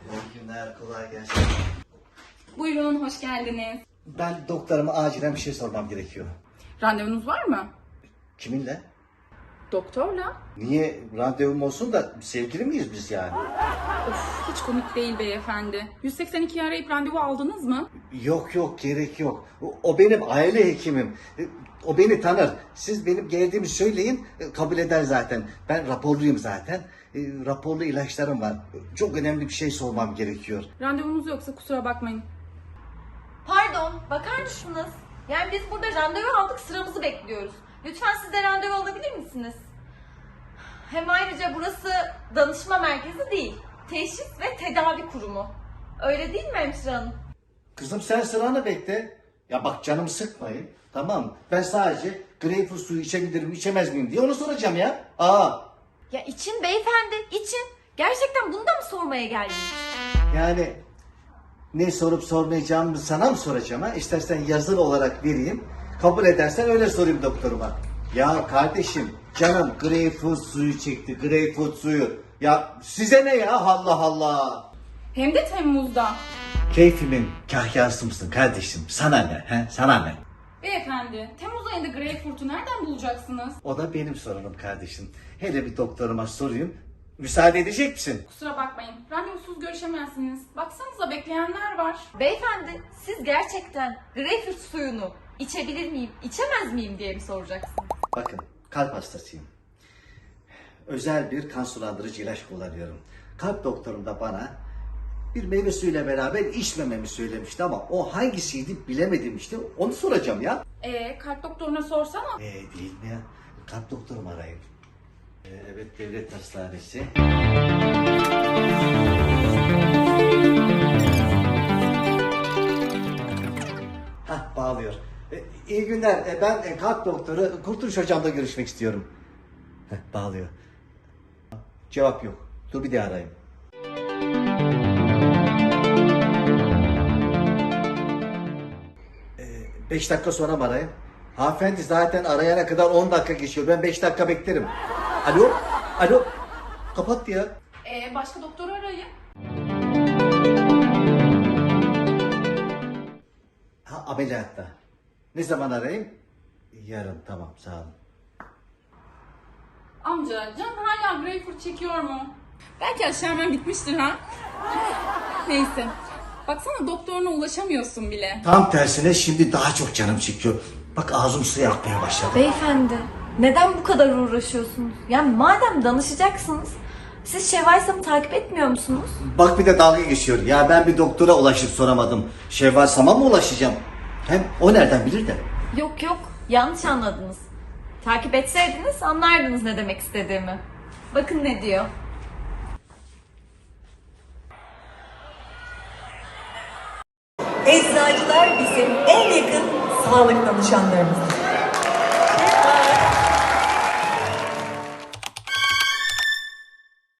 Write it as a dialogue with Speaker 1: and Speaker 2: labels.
Speaker 1: İyi günler, kolay gelsin.
Speaker 2: Buyurun, hoş geldiniz.
Speaker 1: Ben doktoruma acilen bir şey sormam gerekiyor.
Speaker 2: Randevunuz var mı?
Speaker 1: Kiminle?
Speaker 2: Doktorla.
Speaker 1: Niye randevum olsun da sevgili miyiz biz yani?
Speaker 2: Of, hiç komik değil beyefendi. 182'yi arayıp randevu aldınız mı?
Speaker 1: Yok gerek yok. O benim aile hekimim. O beni tanır. Siz benim geldiğimi söyleyin, kabul eder zaten. Ben raporluyum zaten. Raporlu ilaçlarım var. Çok önemli bir şey sormam gerekiyor.
Speaker 2: Randevunuz yoksa kusura bakmayın.
Speaker 3: Pardon, bakar mısınız? Yani biz burada randevu aldık, sıramızı bekliyoruz. Lütfen siz de randevu alabilir misiniz? Hem ayrıca burası danışma merkezi değil, teşhis ve tedavi kurumu. Öyle değil mi hemşire hanım?
Speaker 1: Kızım sen sıranı bekle. Ya bak canımı sıkmayın. Tamam mı? Ben sadece greyfurt suyu içebilirim, içemez miyim diye onu soracağım ya.
Speaker 3: Ya için beyefendi, için. Gerçekten bunu da mı sormaya geldiniz?
Speaker 1: Yani ne sorup sormayacağımı sana mı soracağım ha? İstersen yazılı olarak vereyim. Kabul edersen öyle sorayım doktoruma. Ya kardeşim canım greyfurt suyu çekti. Greyfurt suyu. Ya size ne ya Allah Allah.
Speaker 2: Hem de Temmuz'da.
Speaker 1: Keyfimin kahyası mısın kardeşim? Sana ne? He? Sana ne?
Speaker 2: Beyefendi, Temmuz ayında Greyfurt'u nereden bulacaksınız?
Speaker 1: O da benim sorunum kardeşim. Hele bir doktoruma sorayım. Müsaade edecek misin?
Speaker 2: Kusura bakmayın, randevusuz görüşemezsiniz. Baksanıza bekleyenler var.
Speaker 3: Beyefendi, siz gerçekten greyfurt suyunu içebilir miyim, içemez miyim diye mi soracaksınız?
Speaker 1: Bakın kalp hastasıyım. Özel bir kan sulandırıcı ilaç kullanıyorum. Kalp doktorum da bana bir meyve suyuyla beraber içmememi söylemişti ama o hangisiydi bilemedim işte. Onu soracağım ya.
Speaker 2: Kalp doktoruna sorsana.
Speaker 1: Değil mi ya? Kalp doktorum arayayım. Evet devlet hastanesi. Hah bağlıyor. İyi günler. Ben kalp doktoru Kurtuluş Hocam'la görüşmek istiyorum. Bağlıyor. Cevap yok. Dur bir daha arayayım. Beş dakika sonra mı arayayım? Hanımefendi zaten arayana kadar 10 dakika geçiyor. Ben 5 dakika beklerim. Alo? Alo? Kapattı ya.
Speaker 2: Başka doktoru arayın.
Speaker 1: Ha ameliyatta. Ne zaman arayayım? Yarın tamam sağ olun.
Speaker 2: Amca, can hala Greyfurt çekiyor mu? Belki aşağı hemen bitmiştir ha? Neyse. Baksana doktoruna ulaşamıyorsun bile.
Speaker 1: Tam tersine şimdi daha çok canım çekiyor. Bak ağzım suya akmaya başladı.
Speaker 3: Beyefendi, neden bu kadar uğraşıyorsunuz? Yani madem danışacaksınız, siz Şevval Sam'ı takip etmiyor musunuz?
Speaker 1: Bak bir de dalga geçiyor. Ya ben bir doktora ulaşıp soramadım. Şevval Sam'a mı ulaşacağım? Hem o nereden bilir de?
Speaker 3: Yok, yanlış anladınız. Takip etseydiniz anlardınız ne demek istediğimi. Bakın ne diyor.
Speaker 4: Eczacılar bizim en yakın sağlık danışanlarımız.